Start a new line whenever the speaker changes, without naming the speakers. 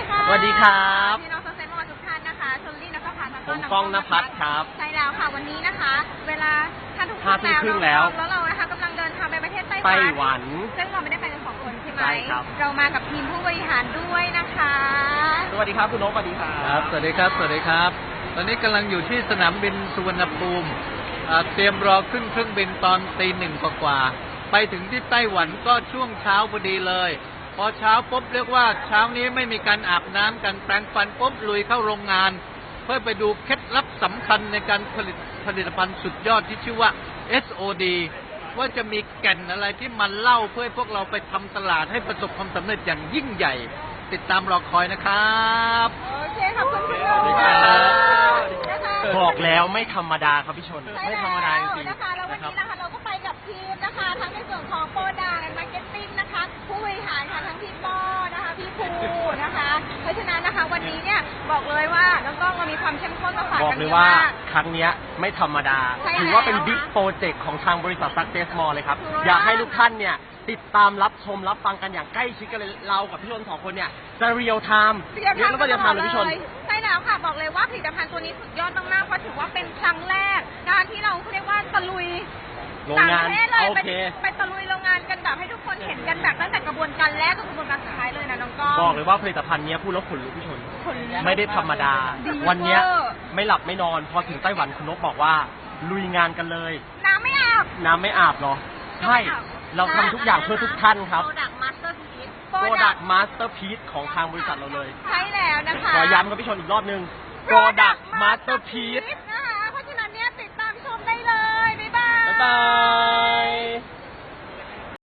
ค่ะ
สวัสดีครับ
พี่น้องเซนต์ทุกท่านนะคะชลลี่นภพัฒน์แล้ว
ผ
ก็
มก้องณภัทรครับ
ใช่แล้วค่ะวันนี้นะคะ เวลา5 ทุ่ม
ครึ่งแล้ว
แล้วเรานะคะกำลังเดินทางไปประเทศไต้
ไต้หวัน
ซึ่งเราไม่ได้ไปกัน2 คนใช่ไหม
ใช่ครับ
เรามากับทีมผู้บริหารด้วยนะคะ
สวัสดีครับคุณนกสวัสดีครั
ครับ บสวัสดีครับ สวัสดีครับ ตอนนี้กำลังอยู่ที่สนามบินสุวรรณภูมิเตรียมรอขึ้นเครื่องบินตอน1:00 กว่าๆไปถึงที่ไต้หวันก็ช่วงเช้าพอดีเลย พอเช้าปุ๊บเรียกว่าเช้านี้ไม่มีการอาบน้ำกันแปรงฟันปุ๊บลุยเข้าโรงงาน เพื่อไปดูเคล็ดลับสำคัญในการผลิตภัณฑ์สุดยอดที่ชื่อว่า SOD ว่าจะมีแก่นอะไรที่มันเล่าเพื่อให้พวกเราไปทำตลาดให้ประสบความสำเร็จอย่างยิ่งใหญ่ ติดตามรอคอยนะครับ
โอเคขอบคุณคุณ
สวัสดีครับ
นะคะ
บอกแล้วไม่ธรรมดาครับพี่ชน
ใช่
ไม่ธรรมดาจริง
นะคะแล้ววัน
ๆนะครับ
นี้นะคะเราก็ไปกับทีมนะคะทั้งในส่วนของโปรดักต์และมาร์เก็ตติ้งนะคะผู้บริหารค่ะทั้งพี่ป้อนะคะพี่ภูนะคะ เพราะฉะนั้นนะคะวันนี้เนี่ยบอกเลยว่าน้องก้องเรามีความเข้มข้นมาฝาก
บอก
กัน
เล
เย
ย
อะ
ว่าม
าก
ครั้งเนี้ยไม่ธรรมดา
ใช่
ถือว่าเป็น
แล้ว
บิ๊กโปรเจกต์ของทางบริษัท Success Mall เลยครับ
ถูกต้อง
อยากให้ทุกท่านเนี่ยติดตามรับชมรับฟังกันอย่างใกล้ชิดกันเลยเรากับพี่ชน2 คนเนี่ยจะเรียลไทม์เรียกแล้วก็เรียลไทม์เลยพี่ชน
ใช่แล้วค่ะบอกเลยว่าผลิตภัณฑ์ตัวนี้สุดยอดมากๆเพราะถือว่าเป็นครั้งแรกการที่เราเรียกว่าตะลุย
โรงงาน
ต่ประเทศเลย
โอเค
ไปตะลุยโรงงานกันแบบให้ทุกคนเห็นกันแบบตั้งแต่กระบวนการแรกจนกระบวนการสุดท้ายเลยนะน้องก้อง
บอกเลยว่าผลิตภัณฑ์เนี้ยพูดแล้วขนลุกพี่ชน
คนลุก
ไม่ได้ธรรมดา
ดี
วันเนี้ย
เวอร์
ไม่หลับไม่นอนพอถึงไต้หวันคุณนกบอกว่าลุยงานกันเลย
น้ำไม่อาบ
น้ำไม่อาบเหรอใช่เราทำทุกอย่างเพื่อทุกท่านครับ
Product Masterpiece
Product Masterpiece ของทางบริษัทเราเลย
ใช่แล้วนะคะ
ขอย้ำกับพี่ชนอีกรอบนึง Product Masterpiece
นะคะเพราะฉะนั้นเนี่ยติดตามชมได้เลย บ๊ายบาย
บ๊ายบาย